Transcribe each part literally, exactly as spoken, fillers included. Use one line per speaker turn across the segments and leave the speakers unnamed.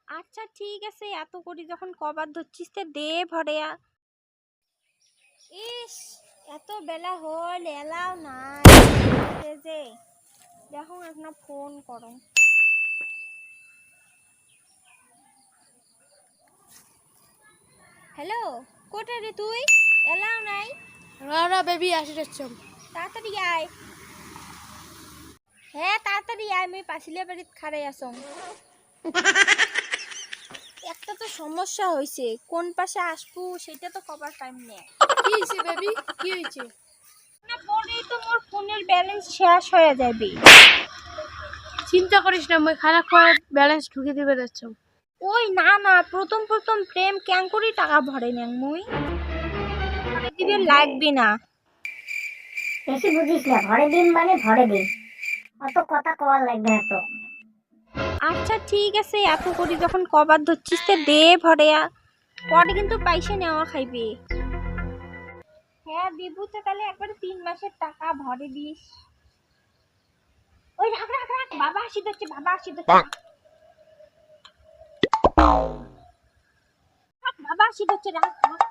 আচ্ছা ঠিক আছে, এত করি যখন কবার ধরছিস তে দে ভরেয়া। ইস, এত বেলা হল এলাও নাই যে, দেখো একটা ফোন করো। হ্যালো, কোটা রে তুই? এলাও নাই?
না না বেবি আসি যাচ্ছি।
তাড়াতাড়ি আয়। হ্যাঁ তাড়াতাড়ি আয়, আমি পাশিলে বাড়িত খাড়াই আসং। একটা তো সমস্যা হয়েছে, কোন পাশে আসবো সেটা তো কবার টাইম নেই।
কি হয়েছে বেবি, কি হয়েছে?
না পরেই তো মোর ফোনের ব্যালেন্স শেষ হয়ে যাবে।
চিন্তা করিস না, মই খারাপ করে ব্যালেন্স ঢুকে দিবে যাচ্ছ।
ওই না না, প্রথম প্রথম প্রেম ক্যাং করি টাকা ভরে নেন মুই, ভরে দিবে লাগবে না।
বেশি বুঝিস না, ভরে দিন মানে ভরে দিন, অত কথা কওয়ার লাগবে না তো।
আচ্ছা ঠিক আছে, এত করি যখন কবার ধরছিস তে দে ভরেয়া, পরে কিন্তু পয়সা নেওয়া খাইবে। হ্যাঁ দেবু তো, তাহলে একবারে তিন মাসের টাকা ভরে দিস। ওই রাখ রাখ রাখ, বাবা আসি যাচ্ছে, বাবা আসি যাচ্ছে, বাবা আসি যাচ্ছে, রাখ রাখ।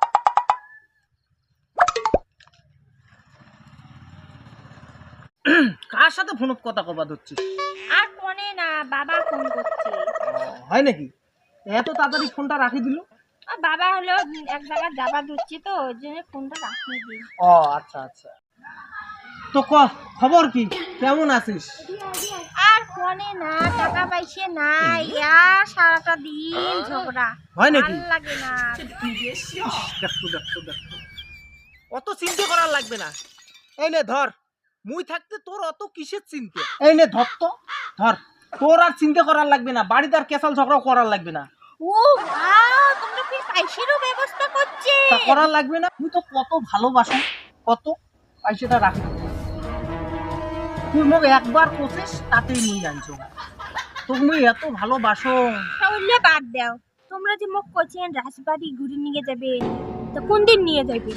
কার সাথে ফোনত কথা কবা ধরছিস?
আর ফোনে না, বাবা ফোন করছে।
হয় নাকি? এত তাড়াতাড়ি ফোনটা রাখি দিল?
আর বাবা হলো এক জায়গায় যাবা ধরছে তো, ওই জন্য ফোনটা রাখিয়ে দিই।
ও আচ্ছা আচ্ছা। তো ক খবর কি, কেমন আছিস?
আর ফোনে না, টাকা পাইছে না, ইয়ার সারাটা দিন ঝগড়া।
হয় নাকি?
ভাল লাগে না।
দেখো দেখো দেখো, অত চিন্তা করার লাগবে না। এই নে ধর, মুই থাকতে তোর অত কিসের চিন্তা? এই নে ধর তো, ধর। তোর আর চিন্তা করার লাগবে না, বাড়িতে আর কেসাল ঝগড়া করার লাগবে না।
ও বাহ, তোমরা কি পয়সারও ব্যবস্থা করছে?
তা করার লাগবে না, তুই তো কত ভালোবাসো, কত পয়সাটা রাখি। তুই মোক একবার কোসিস তাতেই মুই জানছো, তুমি এত ভালোবাসো।
তাহলে বাদ দাও, তোমরা যে মুখ করছেন রাজবাড়ি ঘুরে নিয়ে যাবে, তো কোন দিন নিয়ে যাবে?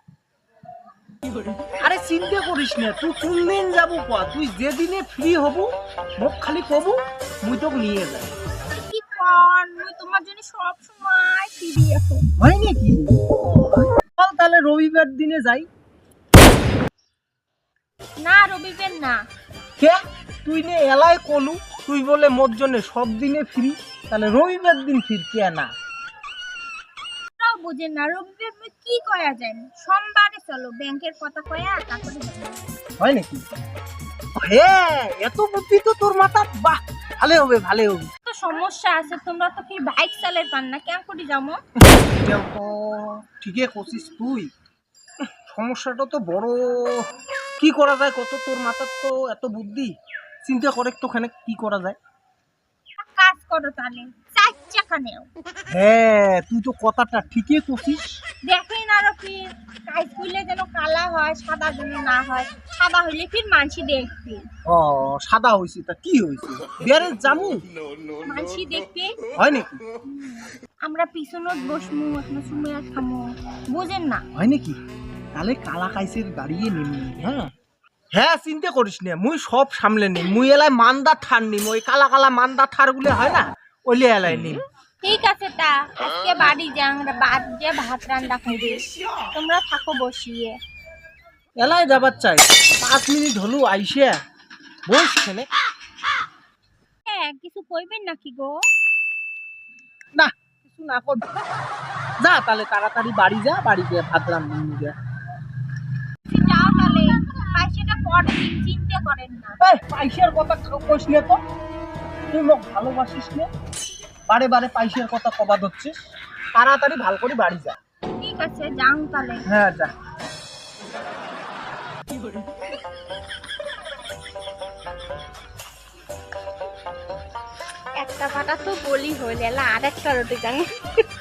আরে চিন্তা করিস না, তুই কোন দিন যাবো ক, তুই যেদিনে ফ্রি হবু মোক খালি কবু, মুই তোকে নিয়ে যাই।
কি কর, মুই তোমার জন্য সব সময় ফিরি এখন।
হয় নাকি? চল তাহলে রবিবার দিনে যাই।
না রবিবার না।
কে তুই নে এলাই কলু, তুই বলে মোর জন্য সব দিনে ফ্রি, তাহলে রবিবার দিন ফিরতে না?
তাও বুঝেন না, রবিবার মুই কি করা যায়? সোমবারে চলো, ব্যাংকের কথা কয়া তারপরে যাবো।
হয় নাকি? হ্যাঁ, এত বুদ্ধি তো তোর মাথা, বাহ, ভালো হবে ভালো হবে।
তো সমস্যা আছে, তোমরা তো ফির বাইক চালাই পান না, কেন করে যাবো?
এটাও তো ঠিকই করছিস তুই, সমস্যাটা তো বড়। কি করা যায় কত, তোর মাথার তো এত বুদ্ধি, চিন্তা করে তোখানে কি করা যায়।
এক কাজ করো তাহলে, চার চাকা নেও।
হ্যাঁ তুই তো কথাটা ঠিকই করছিস।
দেখেন আরো ফির কাজ করলে যেন কালা হয়, সাদা যেন না হয়। সাদা হইলে ফির মানসি দেখবে।
ও সাদা হয়েছে, তা কি হয়েছে, বিয়ারে জামু
মানসি দেখবে।
হয় নাকি?
আমরা পিছনত বসমু, এখন সময় খামু, বুঝেন না?
হয় নাকি? তাহলে কালা কাইসের গাড়িয়ে নেমি। হ্যাঁ হ্যাঁ চিন্তা করিস না, মুই সব সামলে নিম। মুই এলাই মান্দা ঠার নিম, ওই কালা কালা মান্দা ঠার গুলো হয় না, ওইলে এলাই নিম।
ঠিক আছে, তা আজকে বাড়ি যাং, বাদ দিয়ে ভাত রান্না খাইবে, তোমরা থাকো বসিয়ে।
এলাই যাবার চাই, পাঁচ মিনিট হলো আইসে বস খেলে।
হ্যাঁ কিছু কইবেন নাকি গো?
না কিছু না কর, যা তাহলে তাড়াতাড়ি বাড়ি যা, বাড়ি গিয়ে ভাত রান্না নিয়ে।
যাও তাহলে, পয়সাটা পরে দিন, চিন্তা করেন না।
এই পয়সার কথা কইস না তো, তুই মোক ভালোবাসিস না, বারে বারে পয়সার কথা কবা ধরছিস। তাড়াতাড়ি ভাল করে বাড়ি যা।
ঠিক আছে যাও তাহলে।
হ্যাঁ যা।
একটা ফাটা তো বলি হইলে, আর একটা রোটি যাং।